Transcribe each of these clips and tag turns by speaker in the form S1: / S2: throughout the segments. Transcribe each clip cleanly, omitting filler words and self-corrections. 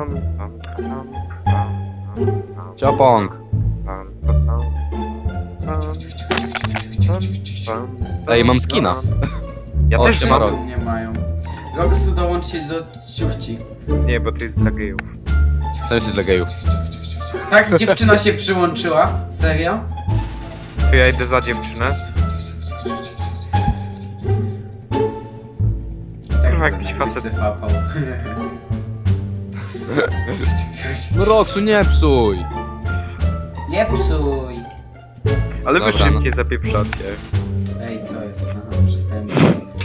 S1: Ciopong. Ej, mam skina.
S2: Ja
S1: O,
S2: też
S1: siema,
S2: mam.
S1: Rok.
S3: Nie mają. Roxu, dołącz się do ciuchci.
S2: Nie, bo to jest dla gejów.
S1: To jest dla gejów.
S3: Tak, dziewczyna się przyłączyła? Serio?
S2: To ja idę za dziewczynę.
S3: Tak,
S2: Kurwa, jakiś facet.
S3: wysyfapał.
S1: No Roxu, nie psuj.
S3: Nie psuj!
S2: Ale wy
S1: Dobra,
S2: szybciej zapieprzacie.
S3: Ej, co jest? Aha, przestałem mówić.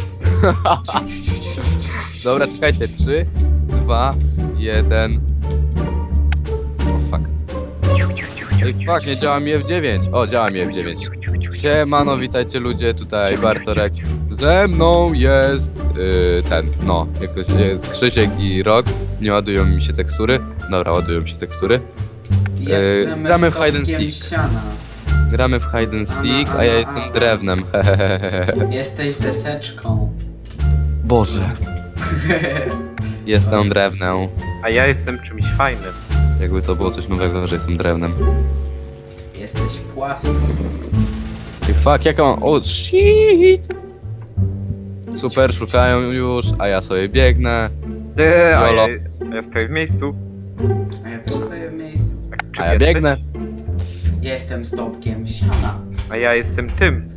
S1: Dobra, czekajcie. 3, 2, 1. O fuck. Ej, fuck, nie działa mi F9. O, działa mi F9. Siemano, witajcie ludzie, tutaj Bartorek. Ze mną jest no, jakoś, Krzysiek i Rox. Nie ładują mi się tekstury. Dobra, ładują mi się tekstury.
S3: Jestem
S1: gramy w hide and
S3: stopkiem
S1: seek.
S3: Siana.
S1: Gramy w hide and seek, a ja jestem drewnem.
S3: Jesteś deseczką.
S1: Boże. Jestem drewnem.
S2: A ja jestem czymś fajnym.
S1: Jakby to było coś nowego, że jestem drewnem.
S3: Jesteś płaską.
S1: I fuck, jaka mam... O, shit! Super, szukają już, a ja sobie biegnę.
S2: A
S1: Jolo.
S2: ja stoję w miejscu.
S3: A ja też stoję w miejscu.
S2: Czym
S1: A ja
S2: jesteś?
S1: biegnę.
S3: Jestem stopkiem siana.
S2: A ja jestem tym.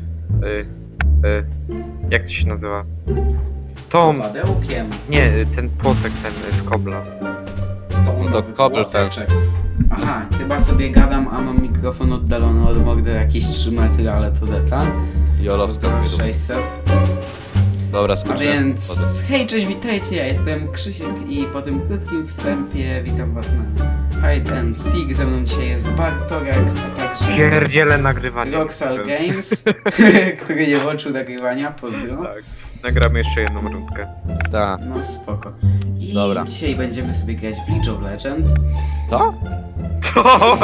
S2: Jak to się nazywa? Tom.
S3: Padełkiem.
S2: Nie, ten płotek, ten z kobla.
S1: No to Cobblefest.
S3: Aha, chyba sobie gadam, a mam mikrofon oddalony od mordy jakieś 3 metry, ale to detal.
S1: Jolo, wstępnie.
S3: 600.
S1: Dobra,
S3: A
S1: skończyłem.
S3: więc, hej, cześć, witajcie, ja jestem Krzysiek i po tym krótkim wstępie witam was na Hide and Seek. Ze mną dzisiaj jest Bartorex, a także
S2: Pierdziele nagrywanie.
S3: Roxal Games, który nie włączył nagrywania, pozdro.
S2: Tak. Nagramy jeszcze jedną rundkę.
S1: Tak.
S3: No spoko. I
S1: Dobra.
S3: dzisiaj będziemy sobie grać w League of Legends.
S1: Co?
S2: Co?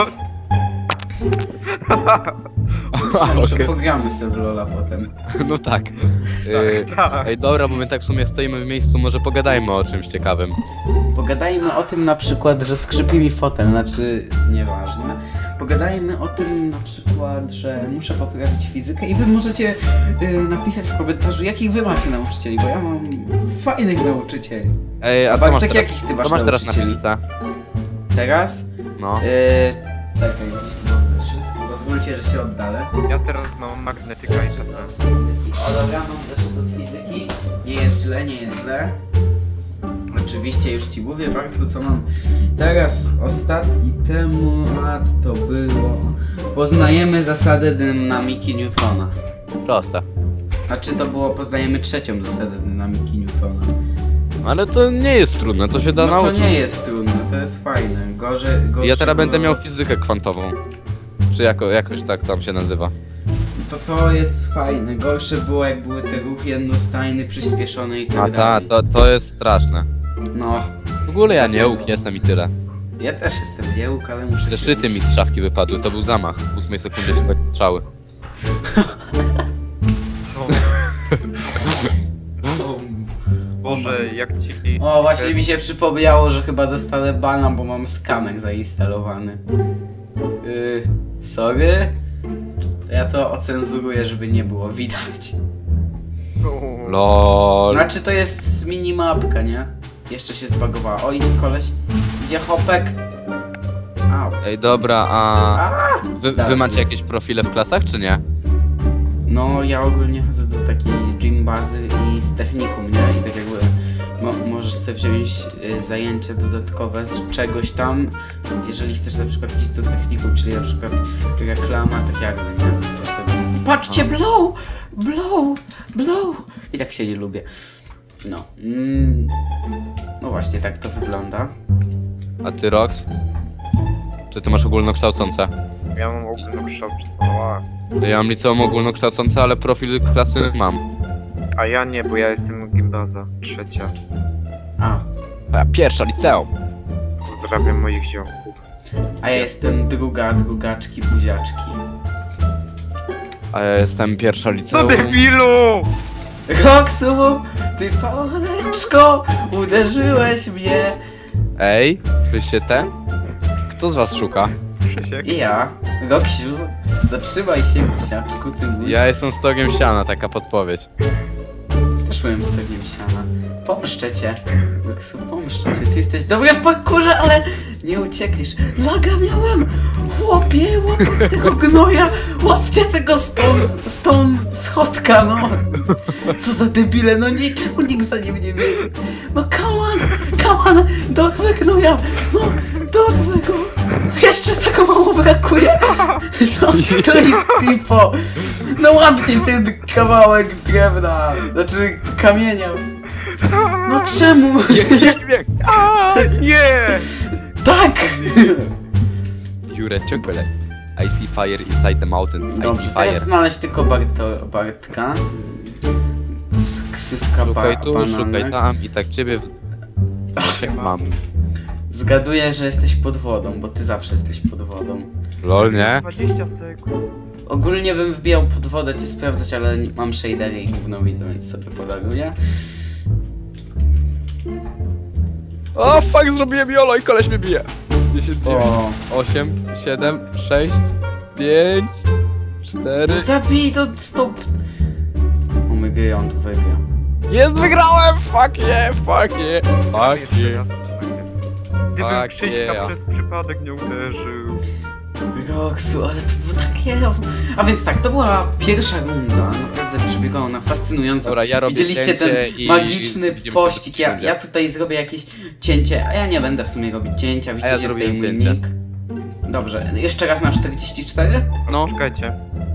S3: Myślałem, że
S1: Okej.
S3: pogramy sobie w LoL'a potem.
S1: No tak.
S2: Tak.
S1: Ej, dobra, bo my tak w sumie stoimy w miejscu, może pogadajmy o czymś ciekawym.
S3: Pogadajmy o tym na przykład, że skrzypi mi fotel, znaczy nieważne. Pogadajmy o tym na przykład, że muszę poprawić fizykę i wy możecie napisać w komentarzu, jakich wy macie nauczycieli, bo ja mam fajnych nauczycieli.
S1: Ej, a co
S3: Bartek,
S1: masz teraz,
S3: jakich ty masz
S1: co masz teraz na
S3: nauczycieli?
S1: fizyce?
S3: Teraz?
S1: No.
S3: Czekaj, gdzieś tu mam zeszyt. Pozwólcie, że się oddalę.
S2: Ja teraz mam magnetyka i tak.
S3: O, dobra, mam zeszyt od fizyki. Nie jest źle, nie jest źle. Oczywiście już ci mówię, Bartku, co mam. Teraz ostatni temat to było... Poznajemy zasadę dynamiki Newtona.
S1: Proste.
S3: Znaczy to było, poznajemy trzecią zasadę dynamiki Newtona.
S1: Ale to nie jest trudne, to się da
S3: No to
S1: nauczyć.
S3: nie jest trudne, to jest fajne. Gorzej
S1: Ja teraz będę
S3: było-
S1: miał fizykę kwantową. Czy jakoś tak tam się nazywa.
S3: To jest fajne. Gorsze było, jak były te ruchy jednostajny, przyspieszony i tak
S1: A
S3: dalej.
S1: to jest straszne.
S3: No,
S1: W ogóle ja nie łuk jestem i tyle.
S3: ja też jestem jełk, ale muszę się
S1: Zeszyty mi z szafki wypadły, to był zamach. W 8 sekundzie się tak strzały.
S2: Co? Boże, jak ci...
S3: O, właśnie mi się przypomniało, że chyba dostanę bana, bo mam skamek zainstalowany. Sorry? To ja to ocenzuruję, żeby nie było widać.
S1: LOL.
S3: Znaczy to jest minimapka, nie? Jeszcze się zbagowała. O, idzie koleś. Idzie hopek. Au.
S1: Ej, dobra, a wy
S3: Zaraz
S1: macie
S3: nie.
S1: jakieś profile w klasach, czy nie?
S3: No, ja ogólnie chodzę do takiej gym bazy i z technikum, nie? I tak jakby możesz sobie wziąć zajęcia dodatkowe z czegoś tam, jeżeli chcesz na przykład iść do technikum, czyli na przykład reklama, tak jakby, nie? Coś tego. Patrzcie, blow! Blow! Blow! I tak się nie lubię. No. No właśnie, tak to wygląda.
S1: A ty, Rox? Czy ty masz ogólnokształcące?
S2: Ja mam ogólnokształcone.
S1: Ja mam liceum ogólnokształcące, ale profil klasy mam.
S2: A ja nie, bo ja jestem gimbaza. Trzecia.
S3: A
S1: A pierwsza liceum.
S2: Pozdrawiam moich ziomków.
S3: ja jestem drugaczki, buziaczki.
S1: A ja jestem pierwsza
S2: Co
S1: liceum.
S2: debilu!
S3: Roxu, ty pałeczko, uderzyłeś mnie.
S1: Ej, Słyszycie te? Kto z was szuka?
S2: Krzysiek.
S3: I ja, Roksiu, zatrzymaj się, misiaczku, ty mój.
S1: Ja jestem stogiem siana, taka podpowiedź.
S3: Też byłem z tobą siana. Pomszczę cię. Roksu, pomszczę cię. Ty jesteś dobry w parkurze, ale nie uciekniesz. Laga miałem! Chłopie, łapać tego gnoja! Łapcie tego stąd schodka, no! Co za debile, no niczemu nikt za nim nie biegnie. No come on, dorwę gnoja! No, dorwę go! Jeszcze tak mało brakuje! No stoi pipo! No łapcie ten kawałek drewna! Znaczy kamienia! No czemu?
S1: Śmiech!
S2: Nie!
S3: Tak!
S1: Jure chocolate. I see fire inside the mountain. I
S3: Dobrze,
S1: see
S3: teraz
S1: fire.
S3: znaleźć tylko Bartka. Ksywka
S1: Szukaj tu,
S3: bananek.
S1: szukaj tam i tak ciebie mam.
S3: Zgaduję, że jesteś pod wodą, bo ty zawsze jesteś pod wodą.
S1: Lol, nie?
S2: 20 sekund.
S3: Ogólnie bym wbijał pod wodę cię sprawdzać, ale mam shadery i gówno widzę, więc sobie podaruję.
S1: O, fuck, zrobiłem jolo i koleś mnie bije. 10, 9,
S3: O,
S1: 8, 7, 6, 5, 4...
S3: no zabij to stop! O my gry, on tu wygra.
S1: Jest, wygrałem! Fuck yeah, fuck yeah, fuck
S2: Jeszcze
S1: yeah.
S2: raz. Gdybym
S1: Fuck
S2: Krzyśka
S1: yeah.
S2: przez przypadek nie uderzył.
S3: Roksu, ale to było takie... A więc tak, to była pierwsza runda. Naprawdę przebiegała ona fascynująco.
S1: Dobra, ja robię
S3: Widzieliście ten
S1: cięcie i
S3: magiczny
S1: widzimy się
S3: pościg.
S1: w rundzie.
S3: Ja tutaj zrobię jakieś cięcie, a ja nie będę w sumie robić cięcia. Widzicie
S1: zrobiłem
S3: tutaj mój
S1: cięcie.
S3: nick. Dobrze, jeszcze raz na 44.
S1: No.
S2: Czekajcie.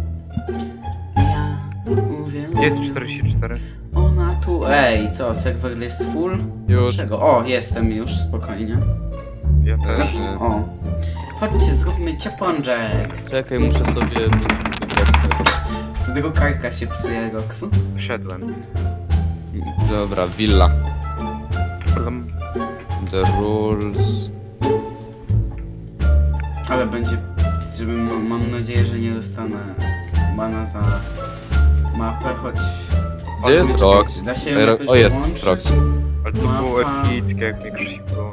S3: Ja mówię.
S2: Gdzie jest 44?
S3: Ona tu. Ej, co? Serwer jest full?
S1: Już.
S3: Czego? O, jestem już, spokojnie.
S2: Ja też.
S3: O. Chodźcie, zróbmy ciepłączek.
S1: Czekaj, muszę sobie wybrać.
S3: Drukarka się psuje, Roksu.
S2: Wszedłem.
S1: Dobra, villa.
S2: Problem.
S1: The rules.
S3: Ale będzie, żeby mam nadzieję, że nie dostanę bana za mapę, choć...
S1: Gdzie jest
S3: Czekajcie,
S1: Rox?
S3: da się
S1: Ej,
S3: jakoś
S1: o, jest
S3: wyłączyć?
S1: Rox.
S2: Ale to było
S3: Mapa.
S2: epickie, jak mnie Krzysiek było.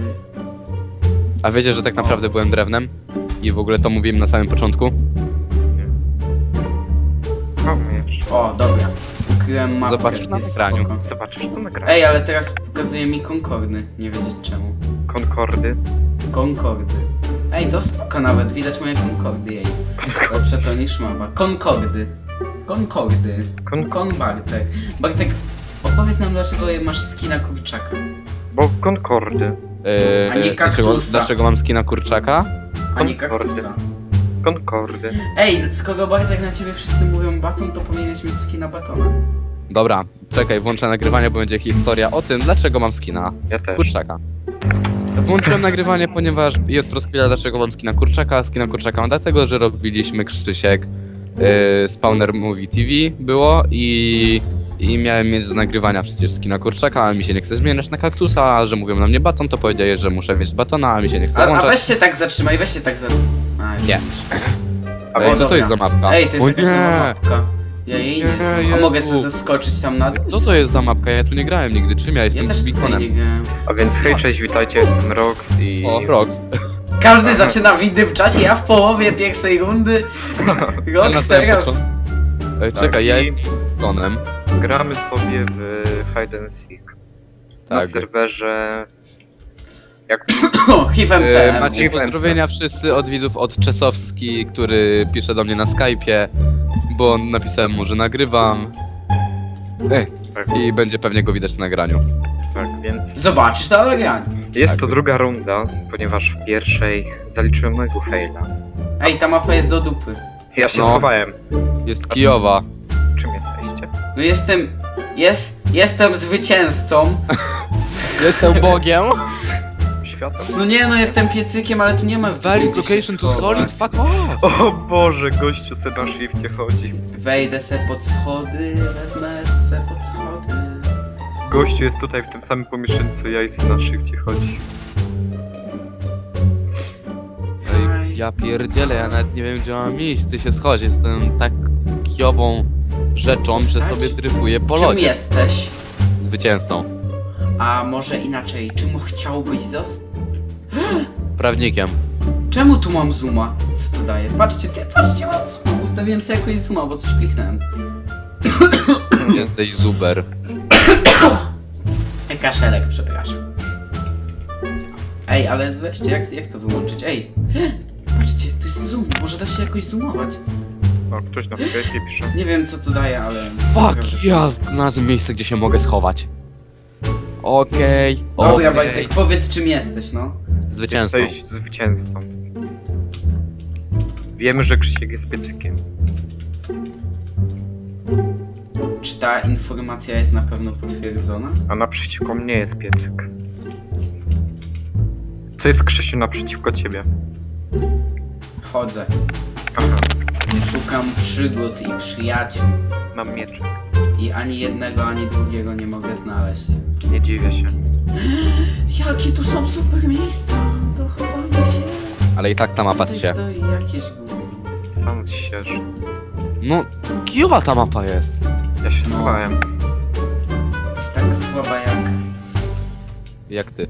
S1: A wiecie, że tak naprawdę byłem drewnem? I w ogóle to mówiłem na samym początku?
S2: Komiesz.
S3: O, dobra. Ukryłem mapkę.
S1: Zobaczysz na
S3: jest
S1: nagraniu.
S3: spoko.
S2: Zobaczysz to nagranie.
S3: Ej, ale teraz pokazuje mi Concordy. Nie wiedzieć czemu.
S2: Concordy.
S3: Concordy. Ej, to spoko nawet. Widać moje Concordy, jej. Lepsze to niż mapa. Concordy. Concordy. Kon Bartek. Bartek, opowiedz nam, dlaczego masz skina kurczaka.
S2: Bo Concordy.
S3: A nie
S1: dlaczego,
S3: kaktusa.
S1: dlaczego mam skina kurczaka?
S3: A nie
S2: Concordy.
S3: kaktusa.
S2: Concordy.
S3: Ej, skoro Bartek na ciebie wszyscy mówią baton, to powinieneś mieć skina batona.
S1: Dobra, czekaj, włączę nagrywanie, bo będzie historia o tym, dlaczego mam skina
S2: Ja też.
S1: kurczaka. Włączyłem nagrywanie, ponieważ jest rozkmina, dlaczego mam skina kurczaka. Skina kurczaka mam dlatego, że robiliśmy Krzysiek Spawner Movie TV było i miałem mieć do nagrywania przecież skina kurczaka, a mi się nie chce zmieniać na kaktusa, a że mówią na mnie baton, to powiedziałeś, że muszę mieć batona, a mi się nie chce
S3: A
S1: włączać.
S3: weź się tak zatrzymaj, weź się tak zatrzymaj.
S1: Nie.
S3: A,
S1: Ej,
S3: o,
S1: co to jest za
S3: dobra.
S1: mapka?
S3: Ej, to jest
S1: O
S3: jakaś
S1: nie!
S3: nowa mapka. Ja jej nie
S1: Nie,
S3: znam. A
S1: Jezu.
S3: mogę sobie zeskoczyć tam na dół?
S1: Co to jest za mapka? Ja tu nie grałem nigdy, czym ja
S3: Ja
S1: jestem
S3: też tutaj nie
S1: bikonem?
S3: grałem.
S2: A więc hej, cześć, witajcie, jestem Rox i...
S1: O, Rox.
S3: Każdy zaczyna w innym czasie, ja w połowie pierwszej rundy.
S1: Ja na
S3: Rox
S1: samym
S3: teraz.
S1: początku. Ej,
S2: Tak,
S1: czekaj, ja
S2: i-
S1: jestem bikonem.
S2: Gramy sobie w Hide and Seek. Na
S1: Tak.
S2: serwerze... Jak...
S3: O, HIVMC.
S1: Macie pozdrowienia wszyscy od widzów od Czesowski, który pisze do mnie na Skype'ie, bo napisałem mu, że nagrywam. I będzie pewnie go widać na nagraniu.
S2: Tak, więc...
S3: Zobaczysz to nagranie.
S2: Jest
S1: Tak.
S2: to druga runda, ponieważ w pierwszej zaliczyłem mojego faila.
S3: Ej, ta mapa jest do dupy.
S2: Ja się
S1: No.
S2: schowałem.
S1: Jest Kijowa.
S2: Czym jesteście?
S3: No jestem zwycięzcą.
S1: Jestem Bogiem.
S2: Światło?
S3: No nie, no jestem piecykiem, ale tu nie ma
S1: Valid
S3: gdzie się
S1: location to
S3: schować.
S1: solid, fuck off.
S2: O Boże, gościu se na shifcie chodzi.
S3: Wejdę se pod schody, wezmę se pod schody.
S2: Gościu jest tutaj w tym samym pomieszczeniu co ja i se na shifcie chodzi.
S1: Ej, ja pierdzielę, ja nawet nie wiem gdzie mam iść, ty się schodź, jestem tak kijową rzeczą, że
S3: Postać?
S1: sobie dryfuję po
S3: Czym
S1: lodzie.
S3: jesteś?
S1: Zwycięzcą.
S3: A może inaczej, czym chciałbyś zostać?
S1: prawnikiem.
S3: Czemu tu mam zooma? Co to daje? Patrzcie, patrzcie, mam zooma. Ustawiłem sobie jakoś zooma, bo coś kliknąłem.
S1: Jesteś zuber.
S3: Kaszelek, przepraszam. Ej, ale weźcie, jak to wyłączyć? Ej, patrzcie, to jest zoom, może da się jakoś zoomować.
S2: O, ktoś na Skype'ie pisze.
S3: Nie wiem co to daje, ale...
S1: Fuck, ja znalazłem miejsce, gdzie się mogę schować. Okej,
S3: Dobra,
S1: okej.
S3: Bartek, powiedz czym jesteś, no.
S1: Zwycięzcą.
S2: Jesteś zwycięzcą. Wiemy, że Krzysiek jest piecykiem.
S3: Czy ta informacja jest na pewno potwierdzona?
S2: A naprzeciwko mnie jest piecyk. Co jest, Krzysiu, naprzeciwko ciebie?
S3: Chodzę.
S2: Aha,
S3: Szukam przygód i przyjaciół.
S2: mam mieczek.
S3: I ani jednego, ani drugiego nie mogę znaleźć.
S2: Nie dziwię się.
S3: Jakie tu są super miejsca do chowania się.
S1: Ale i tak ta mapa
S3: Tutaj
S1: się.
S3: stoi jakieś gówno.
S2: Sam sierz.
S1: No, kijowa ta mapa jest.
S2: Ja się
S3: No.
S2: schowałem.
S3: Jest tak słaba jak...
S1: Jak ty.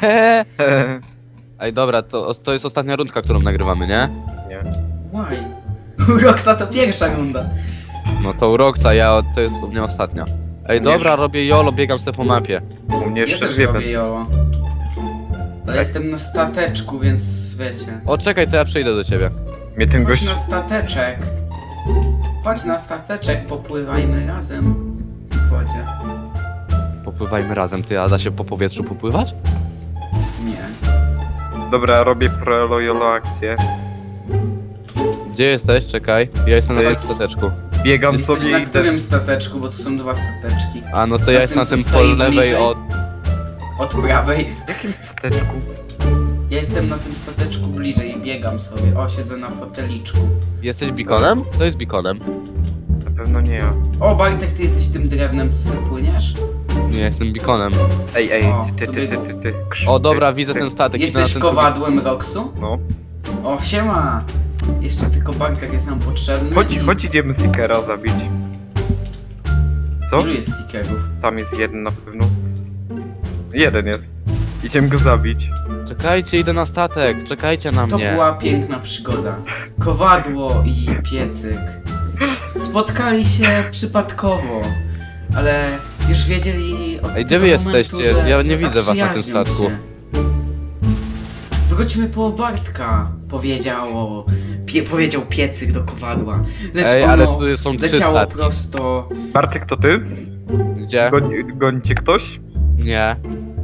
S1: Ej, dobra, to jest ostatnia rundka, którą nagrywamy, nie?
S2: Nie.
S3: Why? Roxa to pierwsza runda.
S1: No to u Roxa, to jest u mnie ostatnia. Ej, dobra, robię YOLO, biegam sobie po mapie.
S2: U mnie
S3: Ja
S2: jeszcze
S3: też
S2: dwie
S3: robię
S2: będą.
S3: jolo. Ale jestem na stateczku, więc wiecie.
S1: O, czekaj, to ja przyjdę do ciebie.
S2: Mnie ten
S3: Chodź
S2: gość...
S3: na stateczek. Chodź na stateczek, popływajmy razem w wodzie.
S1: Popływajmy razem, ty, a da się po powietrzu popływać?
S3: Nie.
S2: Dobra, robię pro-jolo akcję.
S1: Gdzie jesteś? Czekaj. Ja jestem na tym
S2: Jest-
S1: stateczku.
S2: Biegam
S3: Jesteś
S2: sobie
S3: na
S2: i
S3: którym stateczku, bo tu są dwa stateczki.
S1: A, no to
S3: Na
S1: ja
S3: tym,
S1: jestem na
S3: co
S1: tym po
S3: stoi
S1: lewej
S3: bliżej?
S1: od...
S3: Od prawej.
S2: W jakim stateczku?
S3: Ja jestem na tym stateczku bliżej i biegam sobie. O, siedzę na foteliczku.
S1: Jesteś beaconem? To jest beaconem.
S2: Na pewno nie ja.
S3: O, Bartek, ty jesteś tym drewnem, co sobie płyniesz?
S1: Nie, jestem beaconem.
S2: Ej,
S3: O,
S2: ty,
S3: to
S2: ty, ty,
S3: biegło.
S2: ty, ty. Krzysiek,
S1: O, dobra,
S2: ty,
S1: widzę
S2: ty.
S1: ten statek. idę na
S3: Jesteś
S1: ten
S3: kowadłem Roxu?
S2: No.
S3: O, siema! Jeszcze tylko Bartek jest nam potrzebny.
S2: Chodź,
S3: i-
S2: chodź idziemy Seekera zabić. Co?
S3: Ilu jest seekerów?
S2: Tam jest jeden na pewno. Jeden jest. Idziemy go zabić.
S1: drugi. Czekajcie, idę na statek. Czekajcie na
S3: To
S1: mnie.
S3: była piękna przygoda. Kowadło i piecyk. Spotkali się przypadkowo, ale już wiedzieli od
S1: Ej, gdzie wy
S3: tego momentu,
S1: jesteście?
S3: że
S1: Ja nie widzę was na tym
S3: zaprzyjaźnią
S1: statku.
S3: się. Wróćmy po Bartka, powiedział piecyk do kowadła. Lecz
S1: Ej,
S3: ono
S1: ale tu są trzy
S3: leciało
S1: statki.
S3: prosto.
S2: Bartek, to ty?
S1: Gdzie?
S2: Goni cię ktoś?
S1: Nie.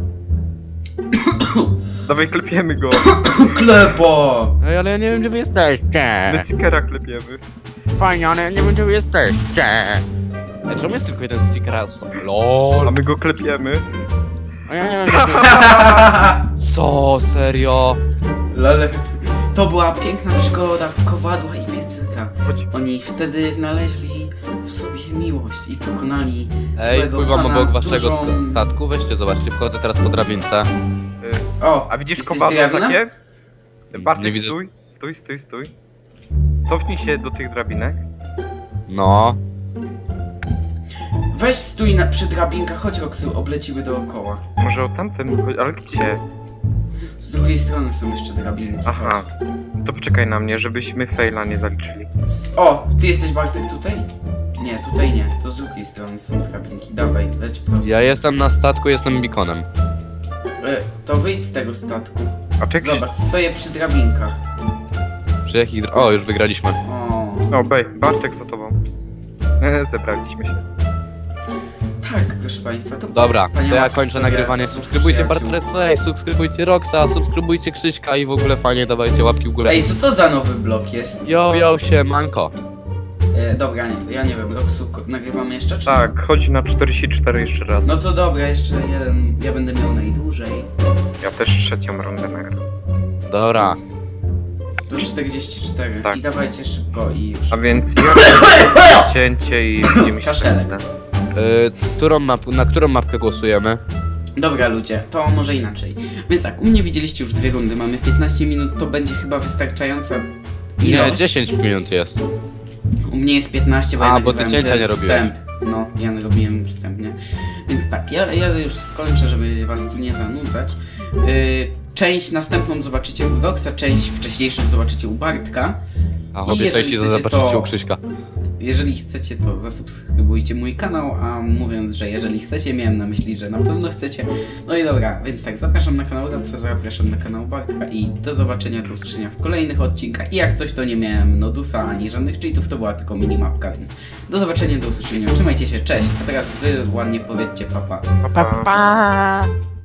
S2: Dawaj, klepiemy go.
S3: Klepo!
S1: Ej, ale ja nie wiem, gdzie wy jesteście.
S2: My Seekera klepiemy.
S1: Fajnie, ale ja nie wiem, gdzie wy jesteście. Ej, czemu jest tylko jeden sticker out?
S2: A
S1: LOL.
S2: my go klepiemy.
S1: A ja nie wiem, gdzie wy... Co? Serio?
S3: Lale. To była piękna przygoda kowadła i piecyka.
S2: Chodź.
S3: Oni wtedy znaleźli w sobie miłość i pokonali
S1: Ej,
S3: złego
S1: pływam
S3: pana
S1: obok
S3: z
S1: waszego
S3: dużą...
S1: statku. Weźcie, zobaczcie, wchodzę teraz po drabince.
S3: O,
S2: A widzisz
S3: jesteś
S2: kowadło
S3: drewnem?
S2: takie? Bartek,
S1: Nie widzę.
S2: stój. Cofnij się do tych drabinek.
S1: No.
S3: Weź stój przy drabinkach, chodź Roxu, obleciły dookoła.
S2: Może o tamten, ale gdzie?
S3: Z drugiej strony są jeszcze drabinki.
S2: Aha. To poczekaj na mnie, żebyśmy faila nie zaliczyli.
S3: chodź. O, ty jesteś Bartek tutaj? Nie, tutaj nie. To z drugiej strony są drabinki. Dawaj, leć prosto.
S1: Ja jestem na statku, jestem beaconem.
S3: To wyjdź z tego statku.
S2: A czy jakiś...
S3: Zobacz, stoję przy drabinkach.
S1: Przy jakich... O, już wygraliśmy.
S3: O,
S2: O, Bartek za tobą. Zebraliśmy się.
S3: tak, proszę państwa, to była
S1: Dobra, to
S3: wspaniała
S1: ja kończę
S3: historia
S1: nagrywanie.
S3: dwóch
S1: Subskrybujcie
S3: przyjaciół.
S1: Bartred Play, subskrybujcie Roxa, subskrybujcie Krzyśka i w ogóle fajnie dawajcie łapki w górę.
S3: Ej, co to za nowy blok jest?
S1: Yo, siemanko.
S3: Dobra, ja nie wiem, Roxu, nagrywamy jeszcze czy
S2: Tak, chodź na 44 jeszcze raz.
S3: No to dobra, jeszcze jeden, ja będę miał najdłużej.
S2: Ja też trzecią rundę nagram.
S1: Dobra.
S3: To 44.
S2: Tak.
S3: I dawajcie szybko i już.
S2: A więc ja cięcie i widzimy się.
S3: Kaszelek.
S1: Na którą mapkę głosujemy?
S3: Dobra ludzie, to może inaczej. Więc tak, u mnie widzieliście już 2 rundy, mamy 15 minut, to będzie chyba wystarczająca ilość.
S1: Nie, 10 minut jest.
S3: U mnie jest 15, bo
S1: A,
S3: ja
S1: bo ty
S3: nagrywałem
S1: cięcia
S3: ten
S1: nie robiłeś.
S3: wstęp. No, ja robiłem wstęp, nie? Więc tak, ja już skończę, żeby was tu nie zanudzać. część następną zobaczycie u Roxa, część wcześniejszą zobaczycie u Bartka.
S1: A
S3: I
S1: obie
S3: jeżeli
S1: części
S3: chcecie,
S1: zobaczycie
S3: to-
S1: u Krzyśka.
S3: Jeżeli chcecie, to zasubskrybujcie mój kanał, a mówiąc, że jeżeli chcecie, miałem na myśli, że na pewno chcecie. No i dobra, więc tak, zapraszam na kanał Roxa, zapraszam na kanał Bartka i do zobaczenia, do usłyszenia w kolejnych odcinkach. I jak coś, to nie miałem nodusa ani żadnych cheatów, to była tylko minimapka, więc do zobaczenia, do usłyszenia, trzymajcie się, cześć. A teraz wy ładnie powiedzcie papa.
S2: Pa, pa.
S4: Pa!